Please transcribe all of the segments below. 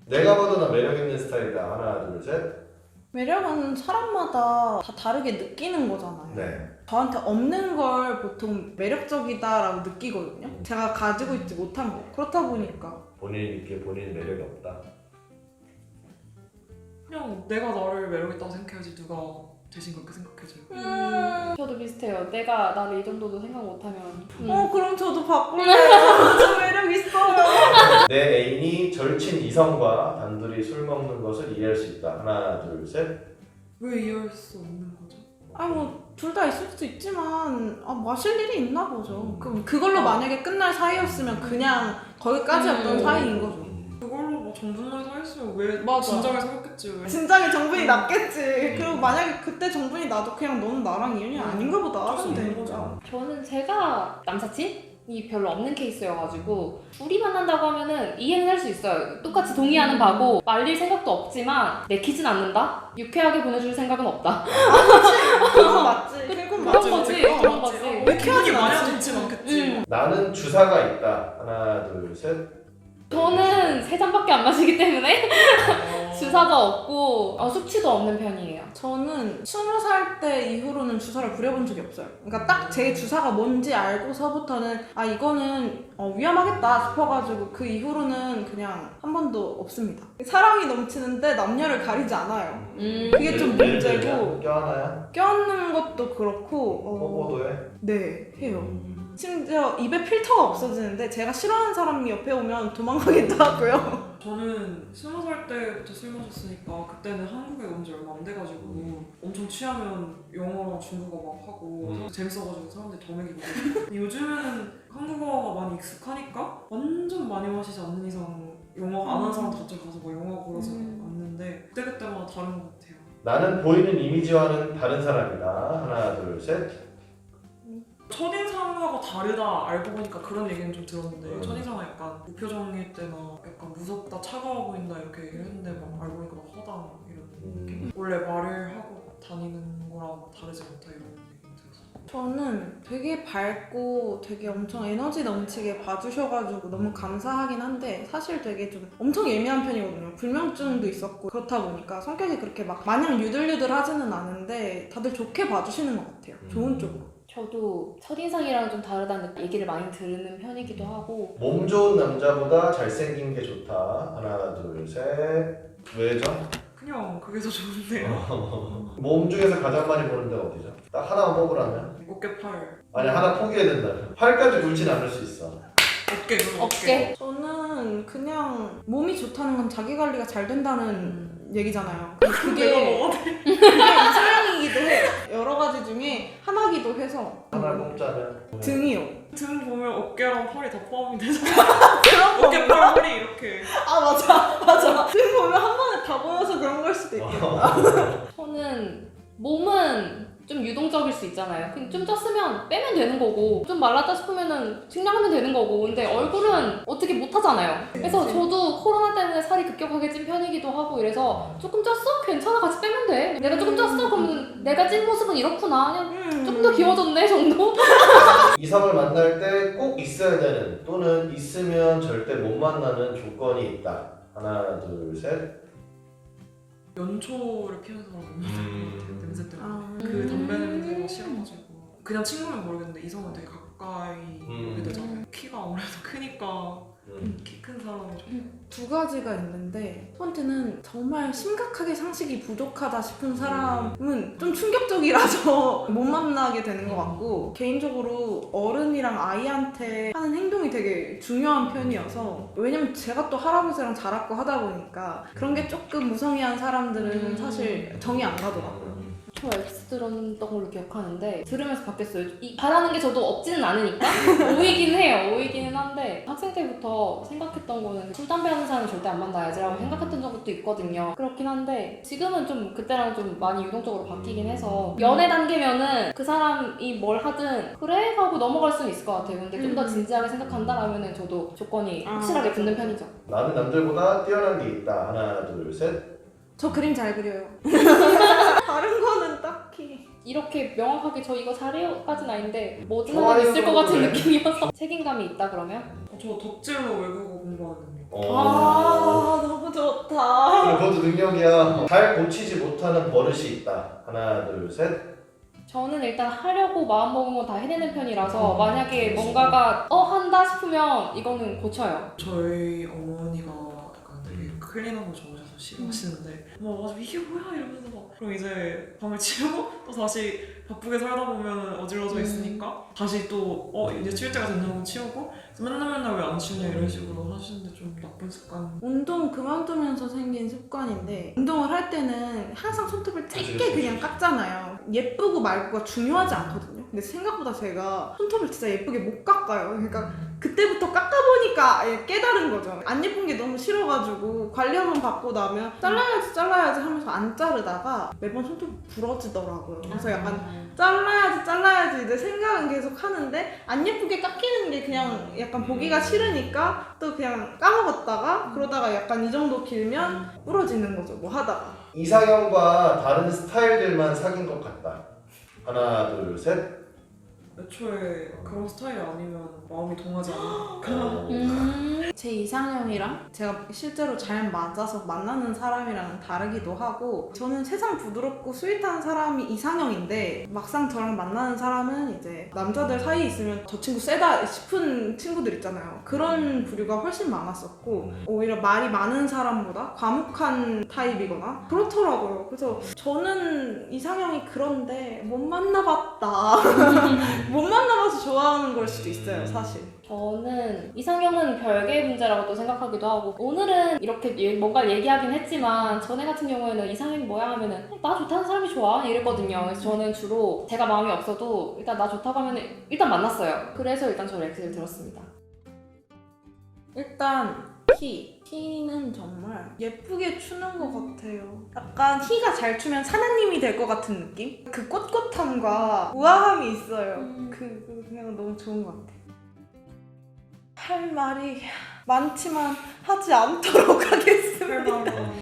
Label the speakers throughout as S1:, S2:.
S1: 내가 봐도 나 매력 있는 스타일이다. 하나, 둘, 셋.
S2: 매력은 사람마다 다 다르게 느끼는 거잖아요.
S1: 네.
S2: 저한테 없는 걸 보통 매력적이다라고 느끼거든요. 제가 가지고 있지 못한 거. 그렇다 보니까.
S1: 본인이 느끼기에 본인 매력이 없다.
S3: 그냥 내가 나를 매력있다고 생각해야지 누가 대신 그렇게 생각해줘요.
S4: 저도 비슷해요. 내가 나를 이 정도도 생각 못하면
S2: 그럼 저도 바꿀래요. 저 매력 있어요.
S1: 내 애인이 절친 이성과 단둘이 술 먹는 것을 이해할 수 있다. 하나, 둘, 셋.
S3: 왜 이해할 수 없는 거죠?
S2: 둘 다 있을 수도 있지만 마실 일이 있나 보죠. 그럼 그걸로 만약에 끝날 사이였으면 그냥 거기까지였던 사이인 거죠.
S3: 그걸로 뭐 정분만 사있으면 왜
S2: 맞아.
S3: 진작에 사귀었겠지 왜?
S2: 진작에 정분이 났겠지. 그리고 만약에 그때 정분이 나도 그냥 너는 나랑 인연이 아닌가 보다 하면 되는 거죠.
S4: 저는 제가 남사친이 별로 없는 케이스여가지고 둘이 만난다고 하면은 이해는 할 수 있어요. 똑같이 동의하는 바고 말릴 생각도 없지만 내키진 않는다? 유쾌하게 보내줄 생각은 없다.
S2: 그건 맞지. 그건 맞지.
S4: 그런 거지.
S2: 그건
S4: 그런
S2: 맞지.
S4: 거지.
S2: 왜
S3: 기분이
S2: 이렇게
S3: 많이
S2: 하지?
S3: 안 좋진 않겠지.
S1: 나는 주사가 있다. 하나, 둘, 셋.
S4: 저는 3잔밖에 안 마시기 때문에 주사도 없고 숙취도 없는 편이에요.
S2: 저는 20살 때 이후로는 주사를 부려본 적이 없어요. 그러니까 딱 제 주사가 뭔지 알고서부터는 이거는 위험하겠다 싶어가지고 그 이후로는 그냥 한 번도 없습니다. 사랑이 넘치는데 남녀를 가리지 않아요. 그게 좀 문제고
S1: 껴하나야?
S2: 껴안는 것도 그렇고
S1: 뽀뽀도 해?
S2: 네 해요. 심지어 입에 필터가 없어지는데 제가 싫어하는 사람이 옆에 오면 도망가기도 하고요.
S3: 저는 20살 때부터 술 마셨으니까 그때는 한국에 온 지 얼마 안 돼가지고 엄청 취하면 영어랑 중국어 막 하고 재밌어가지고 사람들이 더 먹이고 근데 요즘에는 한국어가 많이 익숙하니까 완전 많이 마시지 않는 이상 영어 안 하는 사람도 갑자기 가서 막 영어 걸어서 왔는데 그때그때마다 다른 것 같아요.
S1: 나는 보이는 이미지와는 다른 사람이다. 하나, 둘, 셋.
S3: 첫인상하고 다르다 알고 보니까 그런 얘기는 좀 들었는데 첫인상은 약간 무표정일 때나 약간 무섭다 차가워 보인다 이렇게 얘기를 했는데 막 알고 보니까 막 허당 이런 느낌 원래 말을 하고 다니는 거랑 다르지 않다 이런 얘기 들었어요.
S2: 저는 되게 밝고 되게 엄청 에너지 넘치게 봐주셔가지고 너무 감사하긴 한데 사실 되게 좀 엄청 예민한 편이거든요. 불면증도 있었고 그렇다 보니까 성격이 그렇게 막 마냥 유들유들하지는 않은데 다들 좋게 봐주시는 것 같아요. 좋은 쪽으로.
S4: 저도 첫인상이랑 좀 다르다는 얘기를 많이 들은 편이기도 하고
S1: 몸 좋은 남자보다 잘생긴 게 좋다. 하나, 둘, 셋. 왜죠?
S3: 그냥 그게 더 좋은데요.
S1: 몸 중에서 가장 많이 보는 데가 어디죠? 딱 하나만 뽑으라면?
S3: 어깨 팔
S1: 아니 하나 포기해야 된다면 팔까지 굴진 않을 수 있어.
S3: 어깨 그럼
S4: 어깨.
S2: 저는 그냥 몸이 좋다는 건 자기 관리가 잘 된다는 얘기잖아요.
S3: 내가
S2: 그게
S3: 먹어도 돼?
S2: 이상형이기도 해요. 여러 가지 중에 하나기도 해서
S1: 하나를 뽑자면
S2: 등이요.
S3: 등 보면 어깨랑 팔이 다 포함이 되잖아.
S2: 그런 거
S3: 어깨 팔 허리 이렇게
S2: 맞아. 등 보면 한 번에 다 보여서 그런 걸 수도 있겠다.
S4: 저는 몸은 좀 유동적일 수 있잖아요. 그냥 좀 쪘으면 빼면 되는 거고 좀 말랐다 싶으면은 증량하면 되는 거고 근데 얼굴은 어떻게 못 하잖아요. 그래서 저도 코로나 때문에 살이 급격하게 찐 편이기도 하고 이래서 조금 쪘어? 괜찮아 같이 빼면 돼. 내가 조금 쪘어? 그러면 내가 찐 모습은 이렇구나. 그냥 조금 더 귀여워졌네 정도?
S1: 이성을 만날 때 꼭 있어야 되는 또는 있으면 절대 못 만나는 조건이 있다. 하나, 둘, 셋.
S3: 연초를 피우는 사람 냄새 때문에
S2: 그
S3: 그 담배 냄새가 싫어가지고 그냥 친구면 모르겠는데 이성은 되게 가까이 오게 되잖아요. 키가 아무래도 크니까 키 큰 사람이 좀
S2: 두 가지가 있는데 첫 번째는 정말 심각하게 상식이 부족하다 싶은 사람은 좀 충격적이라서 못 만나게 되는 것 같고 개인적으로 어른이랑 아이한테 하는 행동이 되게 중요한 편이어서 왜냐면 제가 또 할아버지랑 자랐고 하다 보니까 그런 게 조금 무성의한 사람들은 사실 정이 안 가더라고요.
S4: 저 X 들었던 걸로 기억하는데 들으면서 바뀌었어요. 바라는 게 저도 없지는 않으니까 오이긴 해요. 오이기는 한데 학생 때부터 생각했던 거는 술, 담배 하는 사람은 절대 안 만나야지라고 생각했던 적도 있거든요. 그렇긴 한데 지금은 좀 그때랑 좀 많이 유동적으로 바뀌긴 해서 연애 단계면은 그 사람이 뭘 하든 그래? 하고 넘어갈 수는 있을 것 같아요. 근데 좀 더 진지하게 생각한다라면은 저도 조건이 확실하게 붙는 편이죠.
S1: 나는 남들보다 뛰어난 게 있다. 하나, 둘, 셋.
S2: 저 그림 잘 그려요. 다른 거는 딱히
S4: 이렇게 명확하게 저 이거 잘해요까지는 아닌데 뭐든
S1: 좋아요,
S4: 하나 있을 것 같은
S1: 그래.
S4: 느낌이어서 책임감이 있다 그러면?
S3: 저 덕질로 외국어 공부하는 능력.
S2: 너무 좋다.
S1: 그것도 능력이야. 잘 고치지 못하는 버릇이 있다. 하나, 둘, 셋.
S4: 저는 일단 하려고 마음먹은 건 다 해내는 편이라서 만약에 뭔가가 한다 싶으면 이거는 고쳐요.
S3: 저희 어머니가 약간 되게 클린한 거 좋아하셔서 싫어하시는데 이게 뭐야 이러면서 막 그럼 이제 밤을 치우고 또 다시 바쁘게 살다 보면 어질러져 있으니까 다시 또 이제 치울 때가 됐냐고 치우고 그래서 맨날 왜 안 치우냐 이런 식으로 하시는데 좀 나쁜 습관.
S2: 운동 그만두면서 생긴 습관인데 운동을 할 때는 항상 손톱을 짧게
S1: 그치.
S2: 그냥 깎잖아요. 예쁘고 말고가 중요하지 않거든요. 근데 생각보다 제가 손톱을 진짜 예쁘게 못 깎아요. 그러니까 그때부터 깎아보니까 깨달은 거죠. 안 예쁜 게 너무 싫어가지고 관리 한번 받고 나면 잘라야지 하면서 안 자르다가 매번 손톱이 부러지더라고요. 그래서 약간 잘라야지 이제 생각은 계속 하는데 안 예쁘게 깎이는 게 그냥 약간 보기가 싫으니까 또 그냥 까먹었다가 그러다가 약간 이 정도 길면 부러지는 거죠. 뭐 하다가.
S1: 이상형과 다른 스타일들만 사귄 것 같다. 하나, 둘, 셋.
S3: 애초에 그런 스타일이 아니면 마음이 동하지 않으니까.
S2: 제 이상형이랑 제가 실제로 잘 맞아서 만나는 사람이랑은 다르기도 하고 저는 세상 부드럽고 스윗한 사람이 이상형인데 막상 저랑 만나는 사람은 이제 남자들 사이에 있으면 저 친구 세다 싶은 친구들 있잖아요. 그런 부류가 훨씬 많았었고 오히려 말이 많은 사람보다 과묵한 타입이거나 그렇더라고요. 그래서 저는 이상형이 그런데 못 만나봤다. 못 만나봐서 좋아하는 걸 수도 있어요, 사실.
S4: 저는 이상형은 별개의 문제라고 또 생각하기도 하고 오늘은 이렇게 뭔가 얘기하긴 했지만 전에 같은 경우에는 이상형이 뭐야 하면은 나 좋다는 사람이 좋아 이랬거든요. 그래서 저는 주로 제가 마음이 없어도 일단 나 좋다고 하면 일단 만났어요. 그래서 일단 저는 X를 들었습니다.
S2: 일단 키는 정말 예쁘게 추는 것 같아요. 약간 키가 잘 추면 사나님이 될 것 같은 느낌? 그 꼿꼿함과 우아함이 있어요. 그냥 너무 좋은 것 같아요. 할 말이 많지만 하지 않도록 하겠습니다.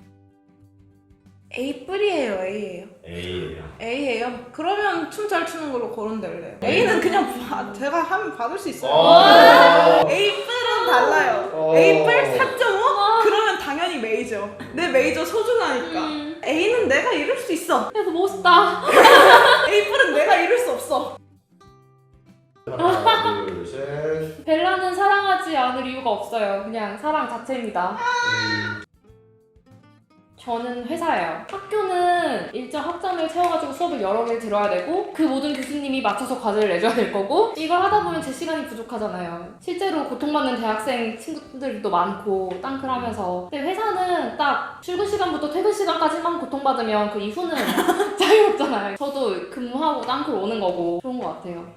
S2: A뿔이에요, A예요.
S1: A예요.
S2: A예요? 그러면 춤 잘 추는 걸로 거론될래요. A는 그냥 제가 하면 받을 수 있어요. A뿔은 달라요. A뿔 4.5? 그러면 당연히 메이저. 내 메이저 소중하니까. A는 내가 이룰 수 있어.
S4: 그래서 멋있다.
S2: A뿔은 내가 이룰 수 없어.
S1: 하나, 둘, 셋.
S4: 벨라는 사랑하지 않을 이유가 없어요. 그냥 사랑 자체입니다. 저는 회사예요. 학교는 일정 학점을 채워가지고 수업을 여러 개를 들어야 되고 그 모든 교수님이 맞춰서 과제를 내줘야 될 거고 이걸 하다 보면 제 시간이 부족하잖아요. 실제로 고통받는 대학생 친구들도 많고 땅클하면서 근데 회사는 딱 출근 시간부터 퇴근 시간까지만 고통받으면 그 이후는 자유롭잖아요. 저도 근무하고 땅클 오는 거고 좋은 것 같아요.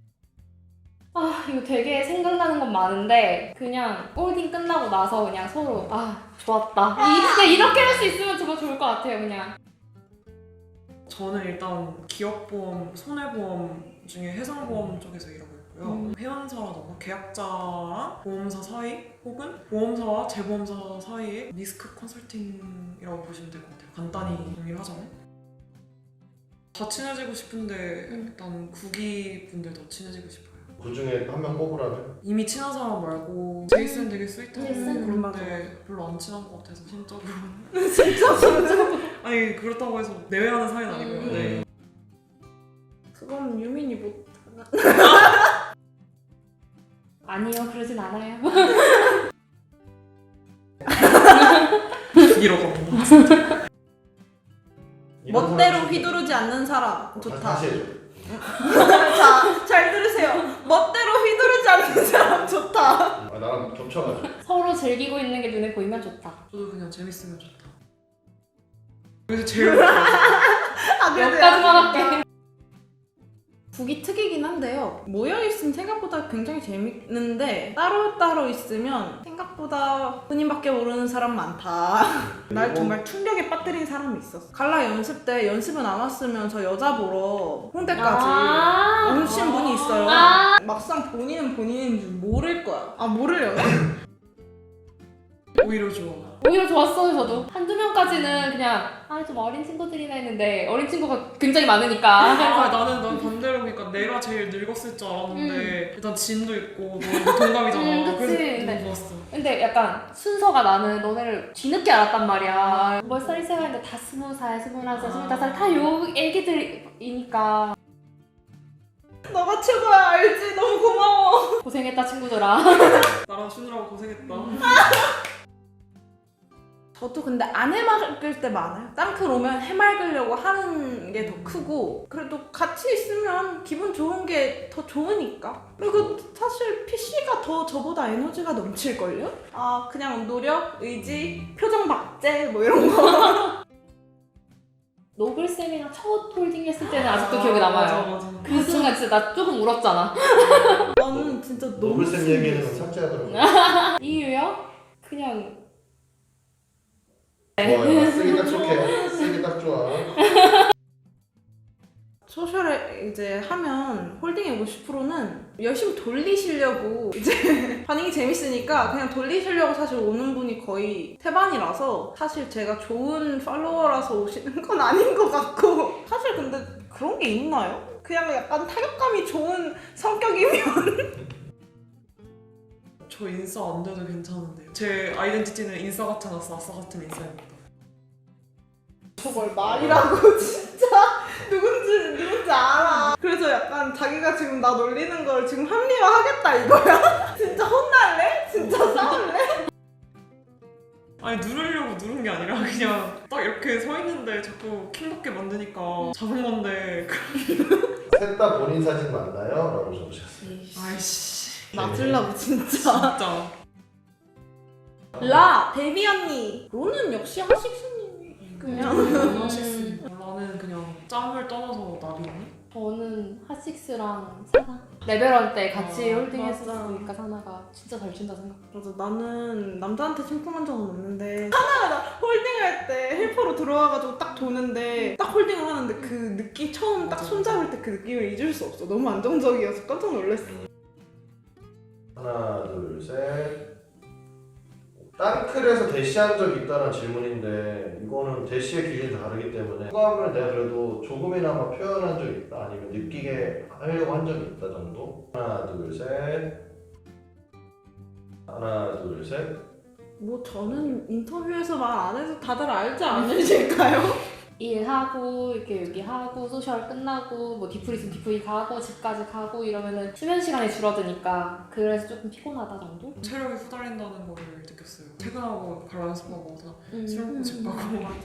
S4: 이거 되게 생각나는 건 많은데 그냥 홀딩 끝나고 나서 그냥 서로 좋았다. 그냥 이렇게 할 수 있으면 정말 좋을 것 같아요. 그냥
S3: 저는 일단 기업보험, 손해보험 중에 해상보험 쪽에서 일하고 있고요. 회원사라던가 계약자랑 보험사 사이 혹은 보험사와 재보험사 사이의 리스크 컨설팅이라고 보시면 될 것 같아요. 간단히 정리를 하자면 다 친해지고 싶은데 일단 구기분들 더 친해지고 싶어요.
S1: 그 중에 한 명 뽑으라면?
S3: 이미 친한 사람 말고 제이슨 되게 스윗하고
S4: 제이슨?
S3: 그런데 별로 안 친한 것 같아서 심적으로는.
S2: 진짜?
S3: 아니 그렇다고 해서 내외하는 사이는 아니고요. 네.
S2: 그건 유민이 못.
S4: 아니요, 그러진 않아요.
S3: 구기로 가고.
S2: 멋대로 휘두르지 않는 사람 좋다.
S1: 다시 해줘.
S2: 자, 잘 들으세요. 멋대로 휘두르지 않는 사람 좋다.
S1: 나랑 겹쳐가지고.
S4: 서로 즐기고 있는 게 눈에 보이면 좋다.
S3: 저도 그냥 재밌으면 좋다. 그래서 제일 좋아요.
S4: 여기까지만 할게.
S2: 북이 특이긴 한데요. 모여있으면 생각보다 굉장히 재밌는데 따로따로 있으면 생각보다 본인밖에 모르는 사람 많다. 날 정말 충격에 빠뜨린 사람이 있었어. 갈라 연습 때 연습은 안 왔으면 저 여자 보러 홍대까지 오신 분이 있어요. 막상 본인은 본인인 줄 모를 거야. 모르려나?
S3: 오히려 좋아.
S4: 오히려 좋았어요 저도. 한두 명까지는 그냥 좀 어린 친구들이나 했는데 어린 친구가 굉장히 많으니까.
S3: 나는 반대로 그러니까 내가 제일 늙었을 줄 알았는데 일단 진도 있고 너무 동갑이잖아.
S4: 그치.
S3: 그래서
S4: 네.
S3: 너무 좋았어.
S4: 근데 약간 순서가 나는 너네를 뒤늦게 알았단 말이야. 몇 살이 세가는데 다 20살, 21살, 25살 다 요 애기들이니까.
S2: 너가 최고야 알지? 너무 고마워.
S4: 고생했다 친구들아.
S3: 나랑 쉬느라고 고생했다.
S2: 저도 근데 안 해맑을 때 많아요. 땅클 오면 해맑으려고 하는 게 더 크고 그래도 같이 있으면 기분 좋은 게 더 좋으니까. 그리고 사실 PC가 더 저보다 에너지가 넘칠걸요? 그냥 노력, 의지, 표정 박제 뭐 이런 거.
S4: 노글쌤이랑 첫 홀딩 했을 때는 아직도 기억에 남아요.
S3: 맞아.
S4: 그 순간 진짜 나 조금 울었잖아.
S2: 나는 진짜 너무
S1: 노블쌤 얘기는 삭제하더라고요.
S4: 이유요? 그냥
S1: 좋아요. 쓰기 딱 좋게. 쓰기 딱 좋아.
S2: 소셜에 이제 하면 홀딩의 50%는 열심히 돌리시려고 이제 반응이 재밌으니까 그냥 돌리시려고 사실 오는 분이 거의 태반이라서 사실 제가 좋은 팔로워라서 오시는 건 아닌 것 같고 사실 근데 그런 게 있나요? 그냥 약간 타격감이 좋은 성격이면
S3: 저 인싸 안 돼도 괜찮은데 제 아이덴티티는 인싸 같지 않았어. 아싸 같은 인싸입니다.
S2: 저걸 말이라고 진짜 누군지 알아. 그래서 약간 자기가 지금 나 놀리는 걸 지금 합리화하겠다 이거야? 진짜 혼날래? 진짜 싸울래?
S3: 아니 누르려고 누른 게 아니라 그냥 딱 이렇게 서 있는데 자꾸 킹받게 만드니까 잡은 건데
S1: 셋 다 본인 사진 맞나요? 라고 적으셨어요.
S3: 아이씨
S2: 맞으려고 진짜.
S3: 진짜
S2: 라 데뷔 언니. 로는 역시 하식스님이 그냥.
S3: 나는 그냥 짬을 떠나서 나비언니?
S4: 저는 핫식스랑 사나 레벨원 때 같이 홀딩
S2: 맞아.
S4: 했었으니까 사나가 진짜 잘 춘다 생각.
S2: 맞아, 나는 남자한테 침통한 적은 없는데 하나가 나 홀딩할 때 헬퍼로 들어와가지고 딱 도는데 딱 홀딩을 하는데 그 느낌 처음 딱 손잡을 때 그 느낌을 잊을 수 없어. 너무 안정적이어서 깜짝 놀랐어.
S1: 하나, 둘, 셋. 땅클에서 대시한 적이 있다는 질문인데 이거는 대시의 기준이 다르기 때문에 호감을 내가 그래도 조금이나마 표현한 적이 있다 아니면 느끼게 하려고 한 적이 있다 정도. 하나, 둘, 셋. 하나, 둘, 셋.
S2: 뭐 저는 인터뷰에서 말 안 해도 다들 알지 않으실까요?
S4: 일하고 이렇게 여기 하고 소셜 끝나고 뭐 디프리 있으면 디프리 가고 집까지 가고 이러면은 수면 시간이 줄어드니까 그래서 조금 피곤하다 정도?
S3: 체력이 후달린다는 거를 느꼈어요. 퇴근하고 바로 연습하고 술 먹고 집 가고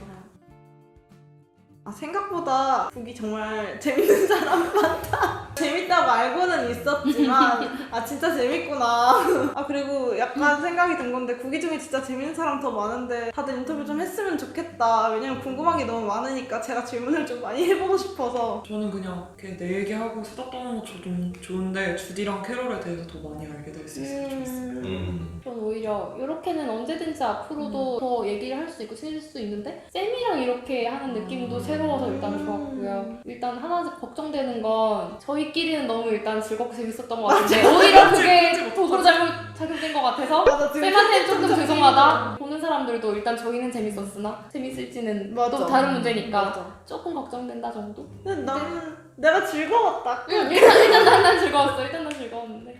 S2: 생각보다 북이 정말 재밌는 사람 많다. 재밌다고 알고는 있었지만 진짜 재밌구나. 그리고 약간 생각이 든 건데 국이 중에 진짜 재밌는 사람 더 많은데 다들 인터뷰 좀 했으면 좋겠다. 왜냐면 궁금한 게 너무 많으니까 제가 질문을 좀 많이 해보고 싶어서.
S3: 저는 그냥 이렇게 내 얘기하고 수다 떠는 것도 좋은데 주디랑 캐롤에 대해서 더 많이 알게 될 수 있으면 좋겠어요.
S4: 전 오히려 이렇게는 언제든지 앞으로도 더 얘기를 할 수 있고 친해질 수 있는데 쌤이랑 이렇게 하는 느낌도 새로워서 일단 좋았고요. 일단 하나 걱정되는 건 저희끼리는 너무 일단 즐겁고 재밌었던 것 같은데 오히려 그게 도구로 잘못 작용된 것 같아서
S2: 맞아,
S4: 쌤한테는 조금 죄송하다. 보는 사람들도 일단 저희는 재밌었으나 재밌을지는
S2: 맞아.
S4: 또 다른 문제니까
S2: 맞아.
S4: 조금 걱정된다 정도?
S2: 근데 나는 내가 즐거웠다.
S4: 일단 난 즐거웠어. 일단 난 즐거웠는데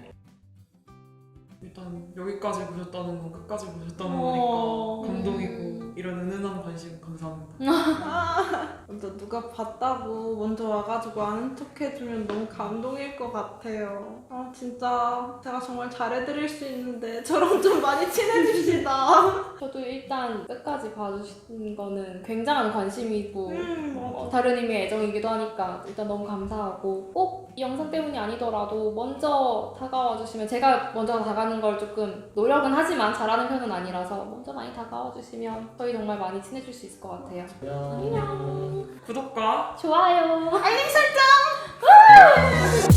S3: 일단 여기까지 보셨다는 건 끝까지 보셨다는
S2: 어.
S3: 거니까 감동이고 이런 은은한 관심 감사합니다.
S2: 먼저 누가 봤다고 먼저 와가지고 아는 척 해주면 너무 감동일 것 같아요. 진짜 제가 정말 잘해드릴 수 있는데 저랑 좀 많이 친해집시다.
S4: 저도 일단 끝까지 봐주신 거는 굉장한 관심이고
S2: 맞아.
S4: 다른 의미의 애정이기도 하니까 일단 너무 감사하고 꼭 이 영상 때문이 아니더라도 먼저 다가와 주시면 제가 먼저 다가가는 걸 조금 노력은 하지만 잘하는 편은 아니라서 먼저 많이 다가와 주시면 저희 정말 많이 친해질 수 있을 것 같아요.
S1: 안녕.
S3: 구독과
S4: 좋아요.
S2: 알림 설정!